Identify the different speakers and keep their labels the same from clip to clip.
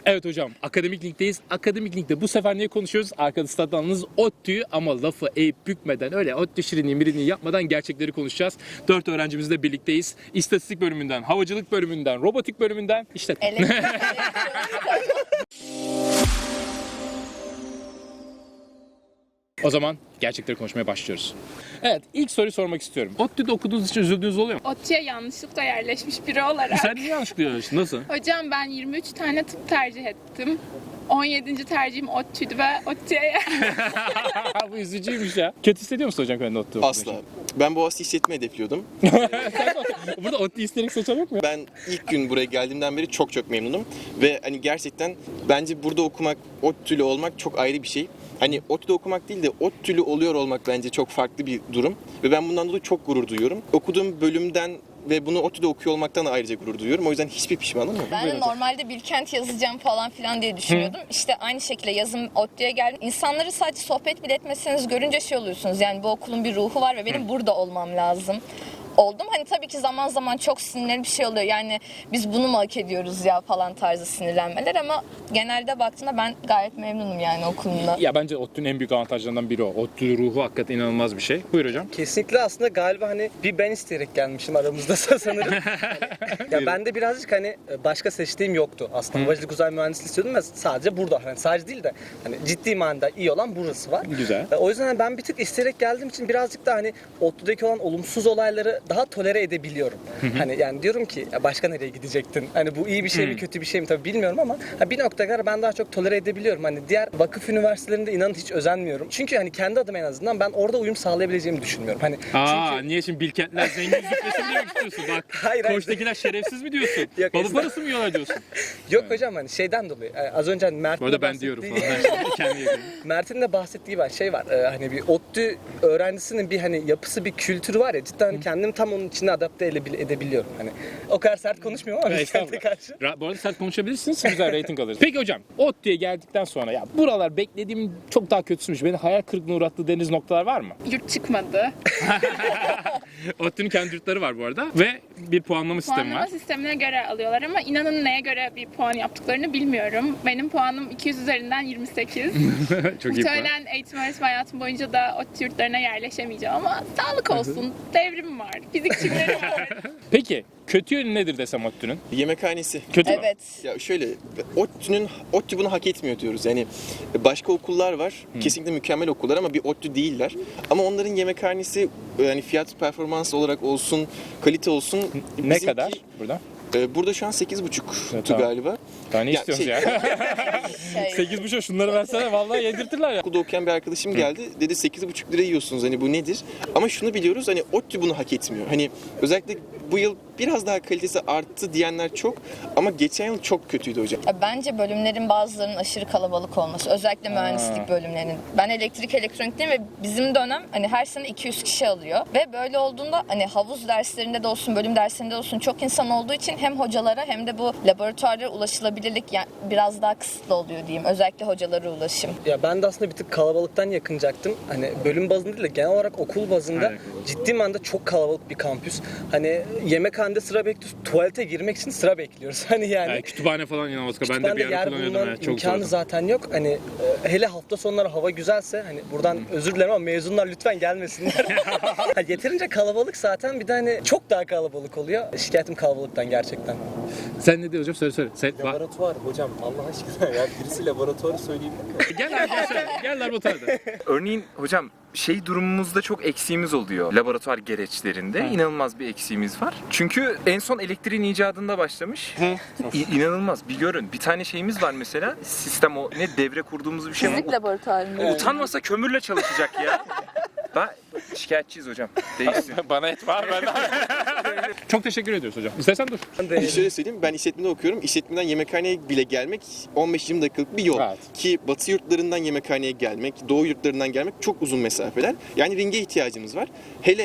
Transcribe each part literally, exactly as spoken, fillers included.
Speaker 1: Evet hocam, Akademik Link'teyiz. Akademik Link'te bu sefer ne konuşuyoruz? Arkada stadlanınız ODTÜ'yü ama lafı eğip bükmeden, öyle ODTÜ şirinliği mirinliği yapmadan gerçekleri konuşacağız. Dört öğrencimizle birlikteyiz. İstatistik bölümünden, havacılık bölümünden, robotik bölümünden, işletme.
Speaker 2: Elektrik.
Speaker 1: O zaman gerçekleri konuşmaya başlıyoruz. Evet, ilk soruyu sormak istiyorum. ODTÜ'de okuduğunuz için üzüldüğünüz oluyor mu?
Speaker 3: ODTÜ'ye yanlışlıkla yerleşmiş biri olarak.
Speaker 1: Sen niye yanlış diyorsun? Nasıl?
Speaker 3: Hocam ben yirmi üç tane tıp tercih ettim. on yedinci tercihim ODTÜ'ydü ve ODTÜ'ye yerleştim.
Speaker 1: Bu üzücüymüş ya. Kötü hissediyor musun hocam kendi ODTÜ okuduğun için?
Speaker 4: Asla. Ben Boğaziçi işletme hedefliyordum.
Speaker 1: Burada ODTÜ isterik seçen yok mu?
Speaker 4: Ben ilk gün buraya geldiğimden beri çok çok memnunum. Ve hani gerçekten bence burada okumak, ODTÜ'lü olmak çok ayrı bir şey. Hani ODTÜ'de okumak değil de ODTÜ'lü oluyor olmak bence çok farklı bir durum. Ve ben bundan dolayı çok gurur duyuyorum. Okuduğum bölümden ve bunu ODTÜ'de okuyor olmaktan da ayrıca gurur duyuyorum. O yüzden hiçbir pişmanım yok.
Speaker 2: Ben de normalde Bilkent yazacağım falan filan diye düşünüyordum. İşte aynı şekilde yazım ODTÜ'ye geldim. İnsanları sadece sohbet bile etmeseniz görünce şey oluyorsunuz. Yani bu okulun bir ruhu var ve benim burada olmam lazım. Oldum. Hani tabii ki zaman zaman çok sinirli bir şey oluyor. Yani biz bunu mu hak ediyoruz ya falan tarzı sinirlenmeler ama genelde baktığımda ben gayet memnunum yani okulumda.
Speaker 1: Ya bence ODTÜ'nün en büyük avantajlarından biri o. ODTÜ ruhu hakikaten inanılmaz bir şey. Buyur hocam.
Speaker 5: Kesinlikle aslında galiba hani bir ben isteyerek gelmişim aramızda sanırım. Hani, ya ben de birazcık hani başka seçtiğim yoktu. Aslında havacılık uzay mühendisliği istiyordum ve sadece burada. Hani sadece değil de hani ciddi manada iyi olan burası var.
Speaker 1: Güzel.
Speaker 5: O yüzden ben bir tık isteyerek geldiğim için birazcık da hani ODTÜ'deki olan olumsuz olayları daha tolere edebiliyorum. Hani yani diyorum ki ya başka nereye gidecektin? Hani bu iyi bir şey mi kötü bir şey mi tabii bilmiyorum ama ha bir noktaya kadar ben daha çok tolere edebiliyorum. Hani diğer vakıf üniversitelerinde inanın hiç özenmiyorum. Çünkü hani kendi adıma en azından ben orada uyum sağlayabileceğimi düşünmüyorum. Hani
Speaker 1: Aa,
Speaker 5: çünkü
Speaker 1: niye şimdi Bilkentler zengin züplesin diye mi istiyorsun? Bak,
Speaker 5: Hayır, hayır.
Speaker 1: Koç'takiler şerefsiz mi diyorsun?
Speaker 5: Yok,
Speaker 1: Balı
Speaker 5: estağfurullah.
Speaker 1: parası mı yiyorlar diyorsun?
Speaker 5: yok hocam hani şeyden dolayı e, az önce hani Mert'in
Speaker 1: Bu arada
Speaker 5: de
Speaker 1: ben diyorum
Speaker 5: bahsettiği-
Speaker 1: falan. Kendi yakın.
Speaker 5: Mert'in de bahsettiği var şey var e, hani bir ODTÜ öğrencisinin bir hani yapısı bir kültürü var ya cidden hani kendimi tam onun içine adapte edebil- edebiliyorum hani o kadar sert konuşmuyorum ama Bilkent'e karşı.
Speaker 1: Ra- Bu arada sert konuşabilirsiniz, güzel reyting alırız. Peki hocam, ODTÜ'ye geldikten sonra ya buralar beklediğim çok daha kötüsüymüş. Beni hayal kırıklığına uğrattığı dediğiniz noktalar var mı?
Speaker 3: Yurt çıkmadı.
Speaker 1: ODTÜ'nün kendi yurtları var bu arada ve bir puanlama sistemi
Speaker 3: Puanlama
Speaker 1: var.
Speaker 3: sistemine göre alıyorlar ama inanın neye göre bir puan yaptıklarını bilmiyorum. Benim puanım iki yüz üzerinden yirmi sekiz.
Speaker 1: Çok iyi puan.
Speaker 3: Muhtemelen eğitim öğretim hayatım boyunca da ODTÜ yurtlarına yerleşemeyeceğim ama sağlık olsun. Devrim var, fizikçileri var.
Speaker 1: Peki, kötü yönü nedir desem ODTÜ'nün?
Speaker 4: Yemekhanesi.
Speaker 1: Kötü mü?
Speaker 2: Evet.
Speaker 4: Ya şöyle, ODTÜ'nün, ODTÜ bunu hak etmiyor diyoruz. Yani başka okullar var, kesinlikle mükemmel okullar ama bir ODTÜ değiller. Ama onların yemekhanesi yani fiyat performans olarak olsun, kalite olsun.
Speaker 1: Ne
Speaker 4: bizimki-
Speaker 1: kadar burada?
Speaker 4: e, Burada şu an sekiz buçuktu
Speaker 1: Evet, tamam.
Speaker 4: galiba.
Speaker 1: Daha ne
Speaker 4: Ya,
Speaker 1: istiyorsunuz
Speaker 4: şey-
Speaker 1: ya?
Speaker 2: Şey,
Speaker 1: sekiz buçuk şunları versene vallahi yedirtirler ya.
Speaker 4: Okulda okuyan bir arkadaşım geldi. Dedi sekiz buçuk lira yiyorsunuz, hani bu nedir? Ama şunu biliyoruz, hani ODTÜ bunu hak etmiyor. Hani özellikle bu yıl biraz daha kalitesi arttı diyenler çok ama geçen yıl çok kötüydü hocam.
Speaker 2: ya bence bölümlerin bazılarının aşırı kalabalık olması. Özellikle mühendislik bölümlerinin. Ben elektrik elektronikteyim ve bizim dönem hani her sene iki yüz kişi alıyor. Ve böyle olduğunda hani havuz derslerinde de olsun, bölüm derslerinde de olsun çok insan olduğu için hem hocalara hem de bu laboratuvarlara ulaşılabilirlik yani biraz daha kısıtlı oluyor diyeyim. Özellikle hocalara ulaşım.
Speaker 5: Ya ben de aslında bir tık kalabalıktan yakınacaktım. Hani bölüm bazında değil de genel olarak okul bazında
Speaker 1: Aynen.
Speaker 5: ciddi manada çok kalabalık bir kampüs. Hani yemekhanede sıra bekliyoruz. Tuvalete girmek için sıra bekliyoruz. Hani yani.
Speaker 1: Yani kütüphane falan inanılmaz. Ben de
Speaker 5: kütüphanede
Speaker 1: bir ara
Speaker 5: yer
Speaker 1: kullanıyordum
Speaker 5: bulmanın
Speaker 1: ya. Çok
Speaker 5: imkanı
Speaker 1: zordu.
Speaker 5: zaten yok. Hani e, hele hafta sonları hava güzelse hani buradan özür dilerim ama mezunlar lütfen gelmesinler. Ha, yeterince kalabalık zaten bir de hani çok daha kalabalık oluyor. Şikayetim kalabalıktan gerçekten.
Speaker 1: Sen ne diyorsun hocam? Söyle söyle. Sen, va-
Speaker 6: Laboratuvar hocam Allah aşkına ya birisi laboratuvarı söyleyebilir mi?
Speaker 1: gel arkadaşlar. Gel laboratuvarda.
Speaker 6: Örneğin hocam şey durumumuzda çok eksiğimiz oluyor laboratuvar gereçlerinde. İnanılmaz bir eksiğimiz var. Çünkü en son elektriğin icadında başlamış. İ- inanılmaz. Bir görün. Bir tane şeyimiz var mesela. Sistem o ne devre kurduğumuz bir şey var.
Speaker 2: Fizik laboratuvarı.
Speaker 6: Utanmasa kömürle çalışacak ya. Ben şikayetçiyiz hocam. Değilsin.
Speaker 1: Bana et var ben. Çok teşekkür ediyoruz hocam. İstersen dur.
Speaker 5: Ben de
Speaker 4: Şöyle söyleyeyim, ben işletmede okuyorum. İşletmeden yemekhaneye bile gelmek on beş yirmi dakikalık bir yol.
Speaker 1: Evet.
Speaker 4: Ki batı yurtlarından yemekhaneye gelmek, doğu yurtlarından gelmek çok uzun mesafeler. Yani ringe ihtiyacımız var. Hele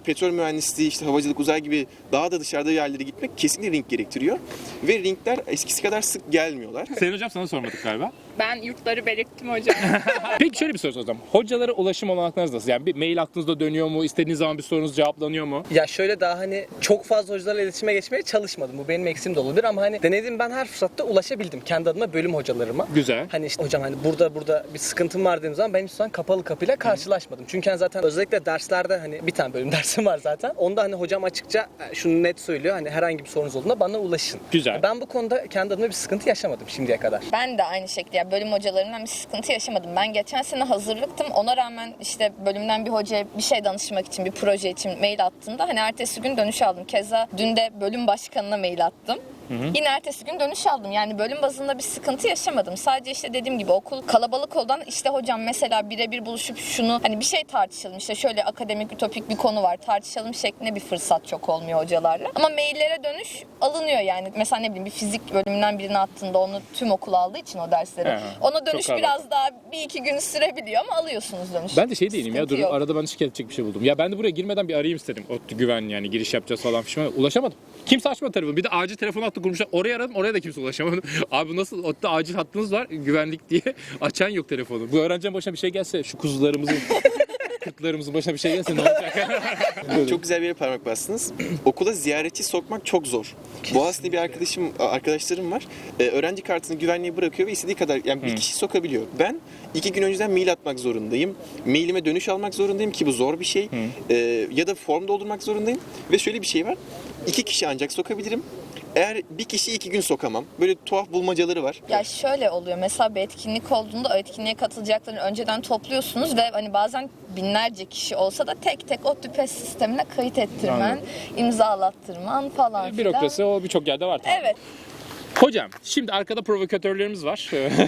Speaker 4: petrol mühendisliği, işte havacılık, uzay gibi daha da dışarıda yerlere gitmek kesinlikle ring gerektiriyor. Ve ringler eskisi kadar sık gelmiyorlar.
Speaker 1: Sayın hocam sana sormadık galiba.
Speaker 3: Ben yurtları belirttim hocam.
Speaker 1: Peki şöyle bir soru soracağım. Hocalara ulaşım olanaklarınız nasıl? Yani bir mail aklınızda dönüyor mu? İstediğiniz zaman bir sorunuz cevaplanıyor mu?
Speaker 5: Ya şöyle daha hani çok fazla hocalarla iletişime geçmeye çalışmadım. Bu benim eksiğim de olabilir ama hani denedim, ben her fırsatta ulaşabildim kendi adıma bölüm hocalarıma.
Speaker 1: Güzel.
Speaker 5: Hani işte hocam hani burada burada bir sıkıntım var dediğim zaman ben hiç zaman kapalı kapıyla karşılaşmadım. Çünkü hani zaten özellikle derslerde hani bir tane bölüm dersim var zaten. Onda hani hocam açıkça şunu net söylüyor. Hani herhangi bir sorunuz olduğunda bana ulaşın.
Speaker 1: Güzel.
Speaker 5: Ben bu konuda kendi adıma bir sıkıntı yaşamadım şimdiye kadar.
Speaker 2: Ben de aynı şekilde ya bölüm hocalarından bir sıkıntı yaşamadım. Ben geçen sene hazırlıktım. Ona rağmen işte bölümden bir hocaya bir şey danışmak için, bir proje için mail attığımda hani ertesi gün dönüş aldım. Keza dün de bölüm başkanına mail attım. Hı hı. Yine ertesi gün dönüş aldım. Yani bölüm bazında bir sıkıntı yaşamadım. Sadece işte dediğim gibi okul kalabalık olan, işte hocam mesela birebir buluşup şunu hani bir şey tartışalım, işte şöyle akademik ütopik bir konu var tartışalım şeklinde bir fırsat çok olmuyor hocalarla. Ama maillere dönüş alınıyor yani. Mesela ne bileyim bir fizik bölümünden birini attığında onu tüm okul aldığı için o dersleri.
Speaker 1: He,
Speaker 2: Ona dönüş
Speaker 1: çok
Speaker 2: biraz daha bir iki gün sürebiliyor ama alıyorsunuz dönüş.
Speaker 1: Ben de şey değilim ya,
Speaker 2: Sıkıntı
Speaker 1: dur
Speaker 2: yok.
Speaker 1: arada ben şikayet edecek bir şey buldum. Ya ben de buraya girmeden bir arayayım istedim. ODTÜ güven yani giriş yapacağız falan fişman. Ulaşamadım. Kimse açmadı telefonu. Bir de acil telefon hattı kurmuşlar. Oraya aradım, oraya da kimse ulaşamadı. Abi nasıl ODTÜ acil hattınız var güvenlik diye açan yok telefonu. Bu öğrencinin başına bir şey gelse, şu kuzularımızın kırklarımızın başına bir şey gelse ne olacak?
Speaker 4: Çok güzel bir yere parmak bastınız. Okula ziyaretçi sokmak çok zor. Boğaziçi'nde bir arkadaşım, arkadaşlarım var. Ee, öğrenci kartını güvenliğe bırakıyor ve istediği kadar yani bir kişi sokabiliyor. Ben iki gün önceden mail atmak zorundayım. Mailime dönüş almak zorundayım ki bu zor bir şey. Ee, ya da form doldurmak zorundayım. Ve şöyle bir şey var. İki kişi ancak sokabilirim. Eğer bir kişi iki gün sokamam. Böyle tuhaf bulmacaları var.
Speaker 2: Ya şöyle oluyor. Mesela bir etkinlik olduğunda o etkinliğe katılacaklarını önceden topluyorsunuz ve hani bazen binlerce kişi olsa da tek tek o tüpes sistemine kayıt ettirmen,
Speaker 1: Anladım.
Speaker 2: imzalattırman falan filan.
Speaker 1: Bürokrasi o birçok yerde var tabii.
Speaker 2: Evet.
Speaker 1: Hocam şimdi arkada provokatörlerimiz var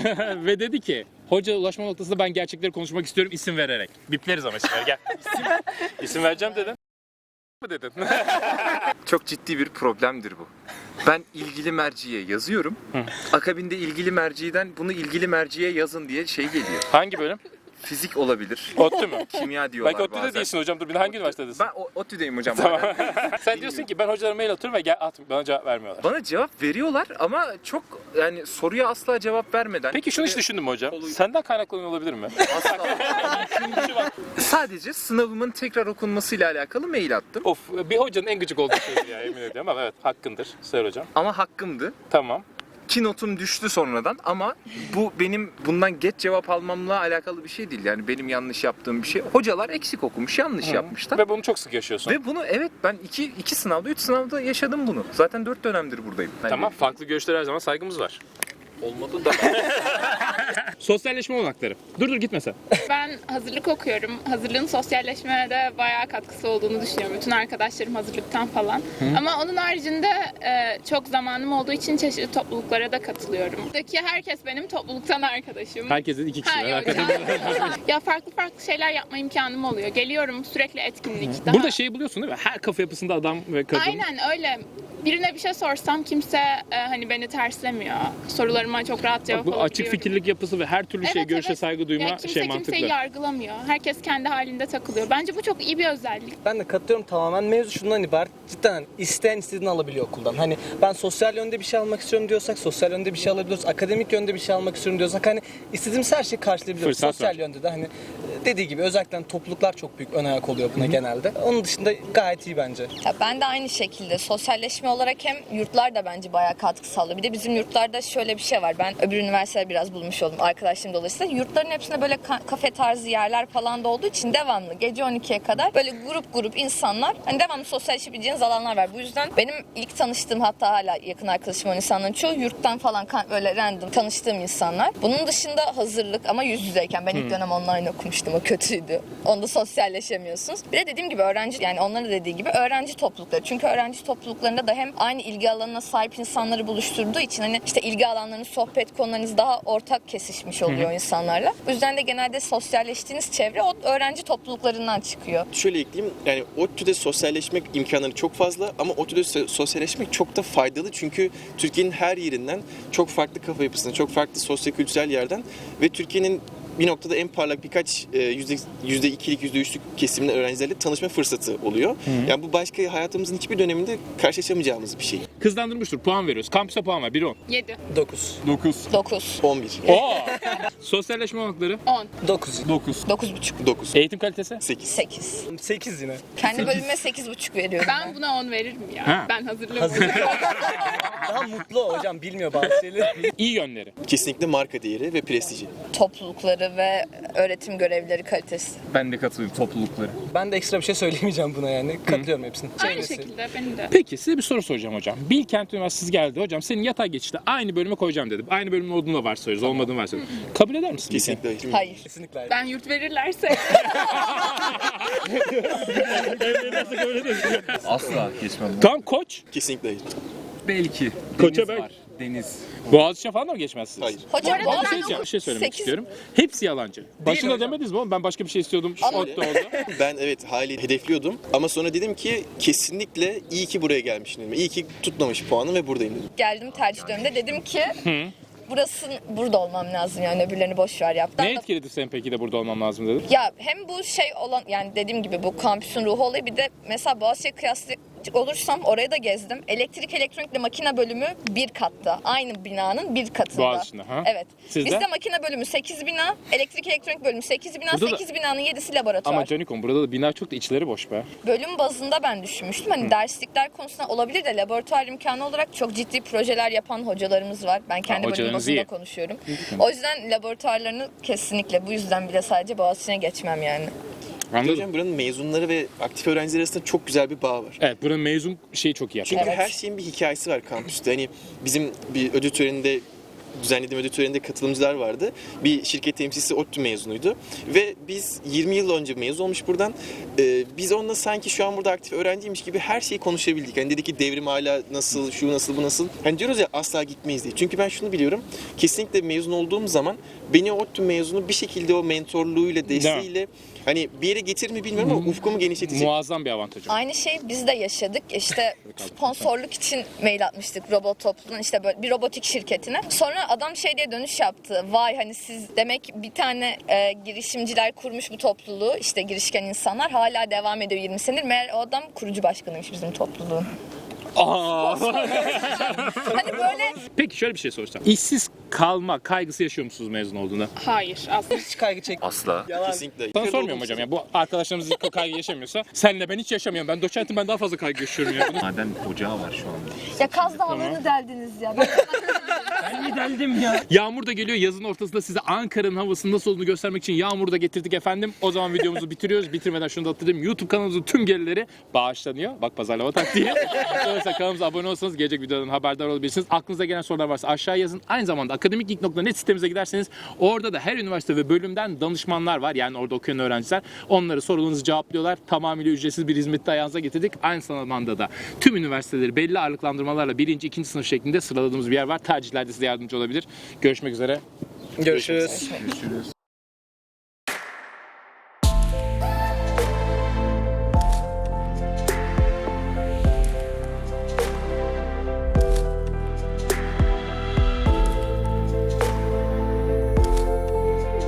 Speaker 1: ve dedi ki hoca ulaşma noktasında ben gerçekleri konuşmak istiyorum isim vererek. Bipleriz ama şimdi gel. İsim, isim vereceğim dedin. mı dedin?
Speaker 6: Çok ciddi bir problemdir bu. Ben ilgili merciye yazıyorum. Akabinde ilgili merciden bunu ilgili merciye yazın diye şey geliyor.
Speaker 1: Hangi bölüm?
Speaker 6: Fizik olabilir.
Speaker 1: ODTÜ mü?
Speaker 6: Kimya diyorlar
Speaker 1: Belki ODTÜ'de
Speaker 6: bazen.
Speaker 1: değilsin hocam. Dur bir de hangi üniversitedesin?
Speaker 6: Ben o- ODTÜ'deyim hocam.
Speaker 1: Tamam. Sen diyorsun ki ben hocalara mail atıyorum ve gel at bana cevap vermiyorlar.
Speaker 6: Bana cevap veriyorlar ama çok yani soruya asla cevap vermeden.
Speaker 1: Peki şunu hiç düşündün mü hocam?
Speaker 6: Oluyor.
Speaker 1: Senden kaynaklanıyor olabilir mi?
Speaker 6: Asla. Sadece sınavımın tekrar okunmasıyla alakalı mail attım.
Speaker 1: Of bir hocanın en gıcık olduğu şey ya emin ediyorum ama evet hakkındır Sayın hocam.
Speaker 6: Ama hakkımdı.
Speaker 1: Tamam.
Speaker 6: Ki notum düştü sonradan ama bu benim bundan geç cevap almamla alakalı bir şey değil. Yani benim yanlış yaptığım bir şey. Hocalar eksik okumuş, yanlış yapmışlar.
Speaker 1: Ve bunu çok sık yaşıyorsun.
Speaker 6: Ve bunu evet ben iki, iki sınavda, üç sınavda yaşadım bunu. Zaten dört dönemdir buradayım. Yani
Speaker 1: Tamam farklı görüşlere her zaman saygımız var.
Speaker 6: olmadı da.
Speaker 1: Sosyalleşme olanakları. Dur dur gitme sen.
Speaker 3: Ben hazırlık okuyorum. Hazırlığın sosyalleşmeye de bayağı katkısı olduğunu düşünüyorum. Bütün arkadaşlarım hazırlıktan falan. Ama onun haricinde e, çok zamanım olduğu için çeşitli topluluklara da katılıyorum. Buradaki herkes benim topluluktan arkadaşım.
Speaker 1: Herkesin iki kişi
Speaker 3: Ha,
Speaker 1: var.
Speaker 3: yok,
Speaker 1: Hakikaten.
Speaker 3: ya. ya farklı farklı şeyler yapma imkanım oluyor. Geliyorum sürekli etkinlik. Daha...
Speaker 1: Burada şeyi buluyorsun değil mi? Her kafa yapısında adam ve kadın.
Speaker 3: Aynen öyle. Birine bir şey sorsam kimse e, hani beni terslemiyor. Sorularıma çok rahat cevap
Speaker 1: Bak, bu açık
Speaker 3: alabiliyorum.
Speaker 1: fikirlik yapısı ve her türlü şey
Speaker 3: Evet,
Speaker 1: görüşe
Speaker 3: evet.
Speaker 1: saygı duyma
Speaker 3: Ya kimse
Speaker 1: şey mantıklı.
Speaker 3: kimseyi yargılamıyor. Herkes kendi halinde takılıyor. Bence bu çok iyi bir özellik.
Speaker 5: Ben de katılıyorum tamamen. Mevzu şundan ibaret. Cidden hani isteyen istediğini alabiliyor okuldan. Hani ben sosyal yönde bir şey almak istiyorum diyorsak sosyal yönde bir şey alabiliyoruz. Akademik yönde bir şey almak istiyorum diyorsak hani istediğimiz her şeyi karşılayabiliyoruz.
Speaker 1: Fırsat
Speaker 5: sosyal
Speaker 1: var.
Speaker 5: yönde de hani dediği gibi özellikle topluluklar çok büyük ön ayak oluyor buna genelde. Onun dışında gayet iyi bence.
Speaker 2: Ya ben de aynı şekilde sosyalleşme olarak hem yurtlar da bence bayağı katkı sağlıyor. Bir de bizim yurtlarda şöyle bir şey var. Ben öbür üniversitede biraz bulmuş oldum arkadaşlarım dolayısıyla. Yurtların hepsinde böyle ka- kafe tarzı yerler falan da olduğu için devamlı gece on ikiye kadar böyle grup grup insanlar hani devamlı sosyalleşebileceğiniz alanlar var. Bu yüzden benim ilk tanıştığım hatta hala yakın arkadaşım olan insanların çoğu yurttan falan ka- böyle random tanıştığım insanlar. Bunun dışında hazırlık ama yüz yüzeyken ben ilk dönem online okumuştum. O kötüydü. Onda sosyalleşemiyorsunuz. Bir de dediğim gibi öğrenci yani onların da dediği gibi öğrenci toplulukları. Çünkü öğrenci topluluklarında da hem aynı ilgi alanına sahip insanları buluşturduğu için hani işte ilgi alanlarınız, sohbet konularınız daha ortak kesişmiş oluyor insanlarla. Bu yüzden de genelde sosyalleştiğiniz çevre o öğrenci topluluklarından çıkıyor.
Speaker 4: Şöyle ekleyeyim, yani ODTÜ'de sosyalleşmek imkanları çok fazla ama ODTÜ'de so- sosyalleşmek çok da faydalı çünkü Türkiye'nin her yerinden çok farklı kafa yapısından, çok farklı sosyokültürel yerden ve Türkiye'nin bir noktada en parlak birkaç e, yüzde, yüzde ikilik, yüzde üçlük kesimli öğrencilerle tanışma fırsatı oluyor. Yani bu başka hayatımızın hiçbir döneminde karşılaşamayacağımız bir şey.
Speaker 1: Hızlandırmıştır. Puan veriyoruz. Kampüse puan ver. bir on.
Speaker 3: yedi.
Speaker 5: dokuz.
Speaker 1: dokuz.
Speaker 2: dokuz.
Speaker 4: on bir.
Speaker 1: Oo! Sosyalleşme olanakları.
Speaker 3: on.
Speaker 5: dokuz.
Speaker 1: dokuz.
Speaker 2: dokuz buçuk.
Speaker 4: dokuz.
Speaker 1: Eğitim kalitesi.
Speaker 4: sekiz.
Speaker 2: sekiz.
Speaker 5: sekiz yine.
Speaker 2: Kendi bölümüme sekiz buçuk veriyorum.
Speaker 3: Ben buna on veririm ya.
Speaker 1: Ha.
Speaker 3: Ben hazırlığım.
Speaker 5: Daha mutlu o hocam, bilmiyor bazı şeyleri.
Speaker 1: İyi yönleri.
Speaker 4: Kesinlikle marka değeri ve prestiji.
Speaker 2: Toplulukları ve öğretim görevlileri kalitesi.
Speaker 6: Ben de katılıyorum toplulukları.
Speaker 5: Ben de ekstra bir şey söyleyemeyeceğim buna yani. Katılıyorum hepsine.
Speaker 3: Aynı
Speaker 5: Çevresi.
Speaker 3: şekilde benim de.
Speaker 1: Peki size bir soru soracağım hocam. Bilkent Üniversitesi geldi hocam. Senin yatay geçişte aynı bölüme koyacağım dedim. Aynı bölümün olduğunu da varsayıyoruz. Olmadığını varsayıyoruz. Kabul eder misin?
Speaker 4: Kesinlikle hayır.
Speaker 2: Hayır.
Speaker 5: Kesinlikle hayır.
Speaker 3: Ben yurt verirlerse
Speaker 6: Asla geçmem.
Speaker 1: Tam koç.
Speaker 4: Kesinlikle hayır.
Speaker 6: Belki.
Speaker 1: Koça
Speaker 6: Deniz
Speaker 1: belki.
Speaker 6: var. Deniz.
Speaker 1: Boğaziçi'ne falan da mı geçmezsiniz?
Speaker 4: Hayır.
Speaker 2: Hocam
Speaker 3: arada
Speaker 2: bu
Speaker 1: Bir
Speaker 2: arada
Speaker 1: şey, diyeceğim, bir şey söylemek
Speaker 2: sekiz
Speaker 1: istiyorum. Hepsi yalancı. Başında
Speaker 5: hocam.
Speaker 1: demediniz mi oğlum? Ben başka bir şey istiyordum.
Speaker 2: Ama-
Speaker 1: Ot da oldu.
Speaker 4: Ben evet hali hedefliyordum ama sonra dedim ki kesinlikle iyi ki buraya gelmişim dedim. İyi ki tutmamış puanım ve buradayım dedim.
Speaker 2: geldim tercih döneminde dedim ki burası burada olmam lazım yani öbürlerini boş ver yap.
Speaker 1: Ne etkiledi sen peki de burada olmam lazım dedim.
Speaker 2: Ya hem bu şey olan yani dediğim gibi bu kampüsün ruhu olayı bir de mesela Boğaziçi'ye kıyaslayacak olursam orayı da gezdim. Elektrik elektronikle makine bölümü bir katta. Aynı binanın bir katında.
Speaker 1: Boğaziçi'nde, ha?
Speaker 2: Evet.
Speaker 1: Sizde?
Speaker 2: Bizde makine bölümü sekiz bina, elektrik elektronik bölümü sekiz bina,
Speaker 1: Burada da-
Speaker 2: sekiz binanın yedisi laboratuvar.
Speaker 1: Ama Canikom burada da bina çok da içleri boş be.
Speaker 2: Bölüm bazında ben düşünmüştüm. Hani derslikler konusunda olabilir de laboratuvar imkanı olarak çok ciddi projeler yapan hocalarımız var. Ben kendi bölüm
Speaker 1: hocalarınız
Speaker 2: bazında
Speaker 1: iyi.
Speaker 2: konuşuyorum. O yüzden laboratuvarlarını kesinlikle bu yüzden bile sadece Boğaziçi'ne geçmem yani.
Speaker 1: Anladın mı?
Speaker 4: Hocam buranın mezunları ve aktif öğrenciler arasında çok güzel bir bağ var.
Speaker 1: Evet buranın mezun şeyi çok iyi yapıyor.
Speaker 4: Çünkü
Speaker 2: Evet.
Speaker 4: her şeyin bir hikayesi var kampüste. Hani bizim bir ödül töreninde düzenlediğim ödül töreninde katılımcılar vardı. Bir şirket temsilcisi ODTÜ mezunuydu. Ve biz yirmi yıl önce mezun olmuş buradan. Ee, biz onunla sanki şu an burada aktif öğrenciymiş gibi her şeyi konuşabildik. Hani dedi ki devrim hala nasıl, şu nasıl, bu nasıl. Hani diyoruz ya asla gitmeyiz diye. Çünkü ben şunu biliyorum. Kesinlikle mezun olduğum zaman beni ODTÜ mezunu bir şekilde o mentorluğuyla, desteğiyle hani bir yere getirir mi bilmiyorum ama ufkumu genişletecek.
Speaker 1: Muazzam bir avantajı.
Speaker 2: Aynı şeyi biz de yaşadık. İşte sponsorluk için mail atmıştık robot topluluğun işte böyle bir robotik şirketine. Sonra adam şey diye dönüş yaptı. Vay hani siz demek bir tane e, girişimciler kurmuş bu topluluğu. İşte girişken insanlar hala devam ediyor yirmi senedir. Meğer o adam kurucu başkanıymış bizim topluluğun.
Speaker 1: Aa!
Speaker 2: Hani böyle
Speaker 1: Peki şöyle bir şey soracağım. İşsiz kalma kaygısı yaşıyor musunuz mezun olduğunda?
Speaker 3: hayır aslında.
Speaker 5: Hiç kaygı çek.
Speaker 6: Asla.
Speaker 5: Yalan.
Speaker 4: Kesinlikle.
Speaker 1: Sana sormuyorum hocam ya. Bu arkadaşlarımız hiç kaygı yaşamıyorsa senle ben hiç yaşamıyorum. Ben doçentim ben daha fazla kaygı yaşıyorum ya.
Speaker 6: Maden ocağı var şu anda.
Speaker 2: ya Kaz Dağları'nı deldiniz ya. Ben
Speaker 1: Yağmur da geliyor. Yazın ortasında size Ankara'nın havasının nasıl olduğunu göstermek için yağmur da getirdik efendim. O zaman videomuzu bitiriyoruz. Bitirmeden şunu da hatırlayayım. YouTube kanalımızın tüm gelirleri bağışlanıyor. Bak pazarlama taktiği. Dolayısıyla kanalımıza abone olsanız gelecek videodan haberdar olabilirsiniz. Aklınıza gelen sorular varsa aşağı yazın. Aynı zamanda akademikgeek nokta net sitemize giderseniz orada da her üniversite ve bölümden danışmanlar var. Yani orada okuyan öğrenciler. Onları sorularınızı cevaplıyorlar. Tamamıyla ücretsiz bir hizmeti de ayağınıza getirdik. Aynı zamanda da tüm üniversiteleri belli ağırlıklandırmalarla birinci, ikinci sınıf şeklinde sıraladığımız bir yer var. Tercihlerde size yardımcı olabilir. Görüşmek üzere.
Speaker 5: Görüşürüz.
Speaker 6: Görüşürüz.